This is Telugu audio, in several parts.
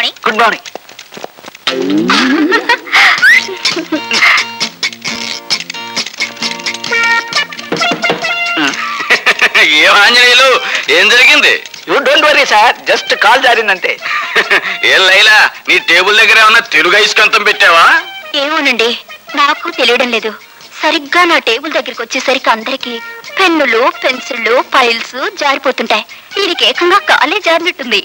మార్నింగ్. Good morning. ఏం ఆంజనేయులు, ఏం జరిగింది? You don't worry sir, just call జారిందంతే. ఏం లైలా, నీ టేబుల్ దగ్గర ఏమన్నా తెలుగు ఐస్కంతం పెట్టావా? ఏమోనండి, నాకు తెలియడం లేదు. సరిగ్గా నా టేబుల్ దగ్గరికి వచ్చేసరికి అందరికి పెన్నులు, పెన్సిళ్ళు, ఫైల్స్ జారిపోతుంటాయి. వీడికి ఏకంగా కాలే జారినట్టుంది.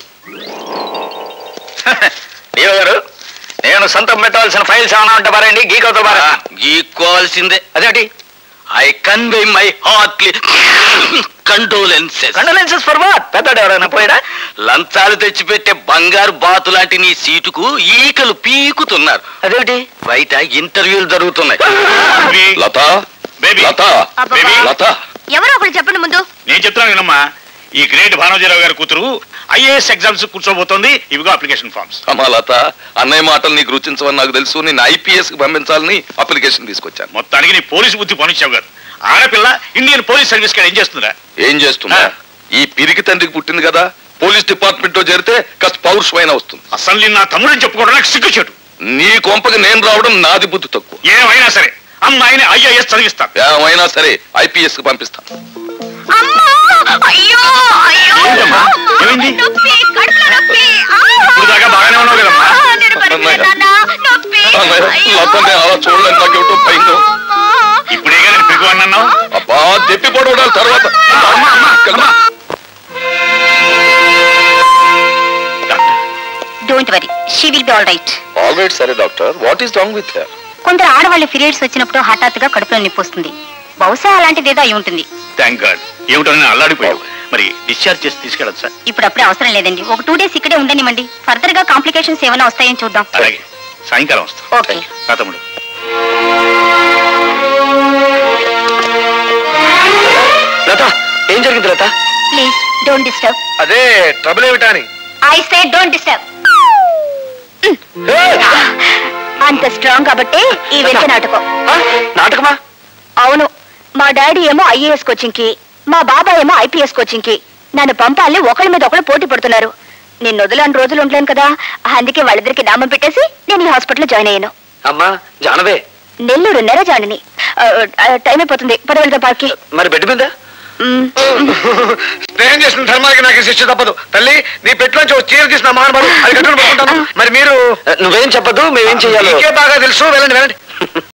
దేవ గారు, నేను సొంతం పెట్టవలసిన ఫైల్స్ ఏమైనా ఉంటే పారండి, గీకవుతా పారా. గీక్కోవాల్సిందే. అదేంటి? I convey my heartly condolences. Condolences for what? పెద్దడు ఎవరైనా పోయాడా? లంచాలు తెచ్చిపెట్టే బంగారు బాతు లాంటి నీ సీటుకు ఈకలు పీకుతున్నారు. అదేంటి? బయట ఇంటర్వ్యూలు జరుగుతున్నాయి. లత, లత, లత, ఎవరో ఒకరు చెప్పండి ముందు. నేను చెప్తున్నాను వినమ్మా. ఈ గ్రేట్ భానోజీరావు గారి కూతురు ఐఏఎస్ ఎగ్జామ్స్ కూర్చోబోతోంది. ఇవిగో అప్లికేషన్ ఫార్మ్స్. అమ్మా లత, అన్నయ్య మాటలు నీకు రుచించవని నాకు తెలుసు. నేను ఐపీఎస్ కి పంపించాలని అప్లికేషన్ తీసుకొచ్చాను. మొత్తానికి నీ పోలీసు బుద్ధి పనిచ్చావు గారు. ఆడపిల్ల ఇండియన్ పోలీస్ సర్వీస్ కాడ ఏం చేస్తుందా? ఏం చేస్తున్నా? ఈ పిరికి తండ్రికి పుట్టింది కదా, పోలీస్ డిపార్ట్మెంట్ లో చేరితే కాస్త పౌరుషమైన వస్తుంది. అసలు నేను నా తమ్ముడని చెప్పుకోవడం నాకు సిగ్గుచేటు. నీ కొంపకి నేను రావడం నాది బుద్ధి తక్కువ. ఏమైనా సరే అమ్మాయిని ఐఏఎస్ చదివిస్తాను. ఏమైనా సరే ఐపీఎస్ కి పంపిస్తాను. ఇప్పుడు దాకా బాగానే ఉన్నావు కదమ్మా. లతనే అలా చూడలేని నాకేమిటో భయం. ఇప్పుడేగా నేను పిగువన్నావు. అబ్బా, దెప్పి పడవడాలి తర్వాత. Don't worry, she will be all right. All right. సరే doctor, what is wrong with her? కొందరు ఆడవాళ్ళు పీరియడ్స్ వచ్చినప్పుడు హఠాత్తుగా కడుపులో నొప్పి వస్తుంది. బహుశా అలాంటిదేదో అయి ఉంటుంది. Thank God. ఏమిటో నేను అల్లాడిపోయావు. మరి డిశ్చార్జ్ చేసి తీసుకెళ్ళచ్చు సార్? ఇప్పుడప్పుడే అవసరం లేదండి. ఒక 2 days ఇక్కడే ఉండనివ్వండి. ఫర్దర్ గా కాంప్లికేషన్స్ ఏమైనా వస్తాయని చూద్దాం. అలాగే, సాయంకాలం వస్తా. ఓకే తమ్ముడు. లత, ఏం జరిగింది లత? Please don't disturb. అదే ట్రబుల్ ఏమిటా అని. I say don't disturb. అంత స్ట్రాంగ్ కాబట్టి ఈ వెంట నాటకం. నాటకమా? అవును. మా డాడీ ఏమో ఐఏఎస్ కోచింగ్ కి, మా బాబాయ్ ఏమో ఐపీఎస్ కోచింగ్ కి నన్ను పంపాలని ఒకళ్ళ మీద ఒకళ్ళు పోటీ పడుతున్నారు. నేను వదిలేని రోజులు ఉండలేను కదా, అందుకే వాళ్ళిద్దరికి నామం పెట్టేసి నేను ఈ హాస్పిటల్లో జాయిన్ అయ్యాను. అమ్మా జానవే, నెల్లూరు నెర జాయిని. టైం అయిపోతుంది, పద వెళ్దాం పార్కి. మరి బెడ్ మీద స్నేహం చేసిన ధర్మానికి నాకు శిక్ష తప్పదు. తల్లి, నీ పెట్టులోంచి చీర తీసిన మహానుభావుడు అది కట్టుకుని పడుకుంటాను. మరి మీరు నువ్వేం చెప్పదు, మేమేం చెయ్యాలి? బాగా తెలుసు. వెళ్ళండి వెళ్ళండి.